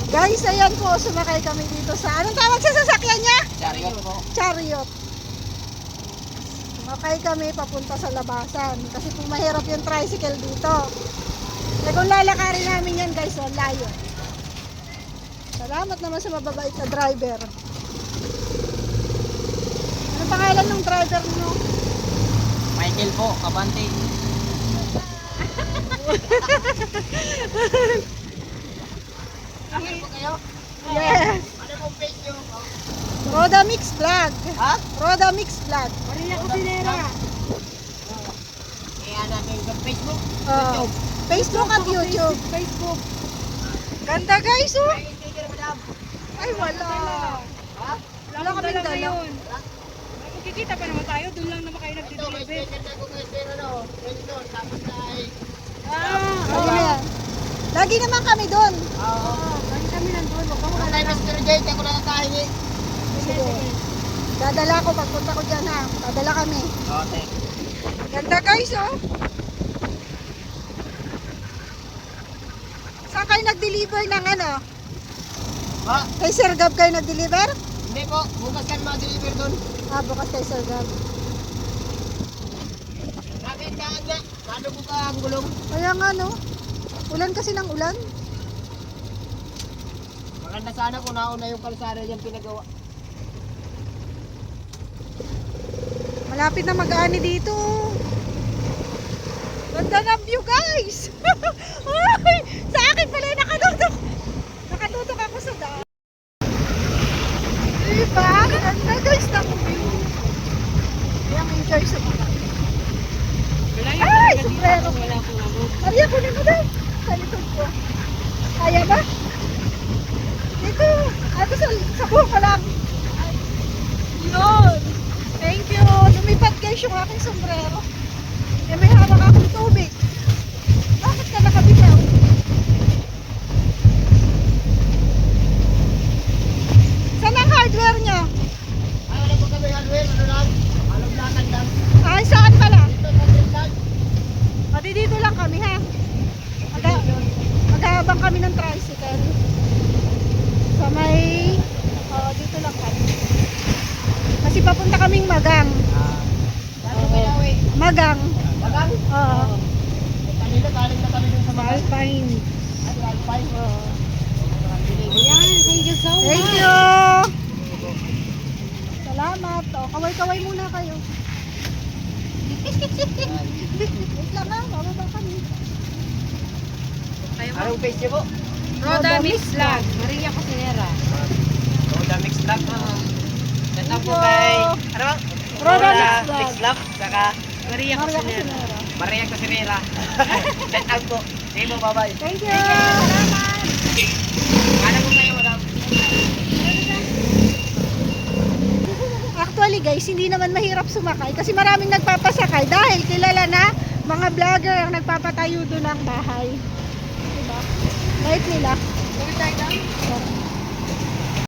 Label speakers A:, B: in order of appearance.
A: Guys, ayan po, sumakay kami dito sa, anong tawag sa sasakyan niya?
B: Chariot po.
A: Chariot. Sumakay kami papunta sa labasan. Kasi po mahirap yung tricycle dito. Eh kung lalakarin namin yan guys, ang layo. Salamat naman sa mababait na driver. Ano pangalan ng driver mo?
B: Michael po, Kabante. Akin po kayo?
A: Yes.
B: Ano pong page nyo?
A: Roda Mix Vlog.
B: Ha?
A: Roda Mix Vlog.
C: Maria Cosinera.
B: Kaya natin sa Facebook.
A: Oh, Facebook at YouTube.
C: Facebook.
A: Ganda guys, oh.
B: Ay, sticker madam.
A: Ay, wala.
B: Ha?
A: Wala kami dala.
C: ngayon. Magkikita pa naman tayo. Doon lang naman kayo
B: Ito, may
C: nagdideliver.
B: sticker na kung sticker ano. Ganito, tapos ay...
A: Lagi na yan. Lagi naman kami doon.
B: Oo.
C: Lagi kami nandun. Huwag ka
B: Kung
C: mawala
B: tayo
C: lang.
B: Mr. J, tayo ko lang natahingi.
A: Sige. Dadala ko pagpunta ko dyan ha. Dadala kami.
B: Okay.
A: Ganda guys, oh. Saan kayo nag-deliver ng ano?
B: Ha?
A: Kay Sir Gab kayo nag-deliver?
B: Hindi po, bukas kan mga-deliver doon.
A: Ah, bukas kay Sir Gab.
B: Bakit ka nga? Paano po ka ang gulong?
A: Kaya nga no. Ulan kasi ng ulan.
B: Maganda sana kung nauna yung kalsada dyan pinagawa.
A: Malapit na mag-ani dito. Ganda ng view guys. Ay, sa akin pala nakatutok. Nakatutok ako sa daan. Diba? Ganda guys ng view. Kaya enjoy sa mga.
C: Wala
A: Ay,
C: yung talaga dito.
A: sombrero.
C: Wala akong ano.
A: Maria, kunin mo daw. Sa likod ko. Kaya ba? Dito. Ato sa buhok ko lang. Yun. Thank you. Lumipat guys yung aking sombrero. Eh, may hawak akong tubig. Bakit ka nakabitaw? Saan ang hardware niya?
B: Ay, wala po kami hardware, ano lang? Alam lakan lang.
A: Ay, saan pala?
B: Dito sa Trinidad.
A: Pati dito lang kami ha. Maghabang kami ng tricycle. Sa may... dito lang kami. Kasi papunta kaming Magang.
B: Dito Pinawi.
A: Magang.
B: Magang?
A: Oo.
B: Kanina, galing na kami dun sa Magang.
C: Alpine.
B: Ay, Alpine.
A: Oo.
C: Ayan, thank you so much.
A: Thank you! Salamat. O, kaway-kaway muna kayo. Wait lang ha, bababa kami.
B: Anong page niyo po?
C: Roda Mix Vlog. Maria Cosinera.
B: Roda Mix Vlog. Shout out po
A: Thank you.
B: kay... Ano ba?
A: Roda Mix Vlog.
B: Saka
C: Maria
A: Maria
C: Cosinera.
A: Cosinera.
B: Maria Cosinera. Shout out po. Sige po, bye-bye.
A: Thank you! Salamat!
B: Ano po kayo, madam?
A: Actually guys, hindi naman mahirap sumakay kasi maraming nagpapasakay dahil kilala na mga vlogger ang nagpapatayo doon ng bahay. Diba? Light nila.
C: Gawin tayo lang.